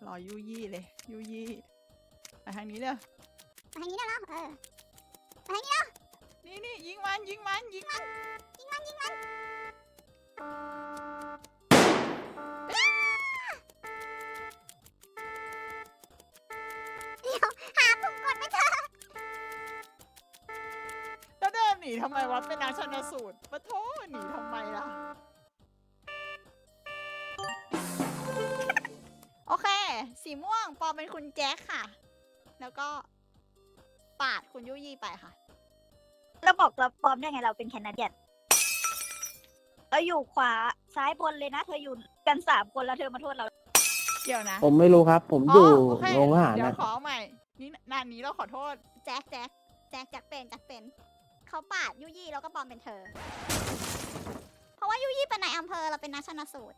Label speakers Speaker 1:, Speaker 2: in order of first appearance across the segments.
Speaker 1: รอยุยี่เลยยุยี่ไปทางนี้เด้อ
Speaker 2: ไปทางนี้ได้แล้วไปทางนี้แล้ว
Speaker 1: นี่ยิงมันยิงมันยิงมัน
Speaker 2: เดี๋ยวหาปุ่มกดไม่เจอ
Speaker 1: แล้วเดินหนีทำไมวะเป็นนักชันสูตรปะโถหนีทำไมล่ะโอเคสีม่วงปอเป็นคุณแจ็คค่ะ แล้วก็ปาดคุณยุยี่ไปค่ะ
Speaker 3: แล้วบอกเราปลอมได้ไงเราเป็นแคนาเดียนเราอยู่ขวาซ้ายบนเลยนะ เธออยู่กัน3 คนแล้วเธอมาโทษเรา
Speaker 1: เดี๋ยวนะ
Speaker 4: ผมไม่รู้ครับ ผมอยู่
Speaker 1: โอเค
Speaker 4: โรงอาหาร
Speaker 1: เดี๋ยว
Speaker 4: นะ
Speaker 1: ขอใหม่นี่นานนี้เราขอโทษ
Speaker 2: แจ็คเป็นเขาปาดยุยี่แล้วก็ปลอมเป็นเธอ เพราะว่ายุยี่เป็นนายอำเภอเราเป็นนักชันสูตร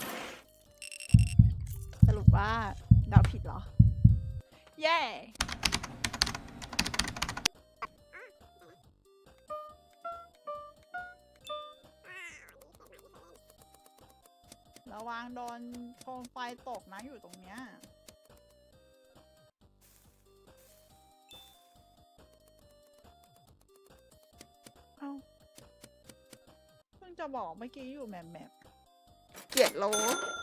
Speaker 1: สรุปว่าเดาผิดเหรอ เย้ระวังโดนโคมไฟตกนะอยู่ตรงเนี้ยเอ้าเพิ่งจะบอกเมื่อกี้อยู่แมปเกลียดโล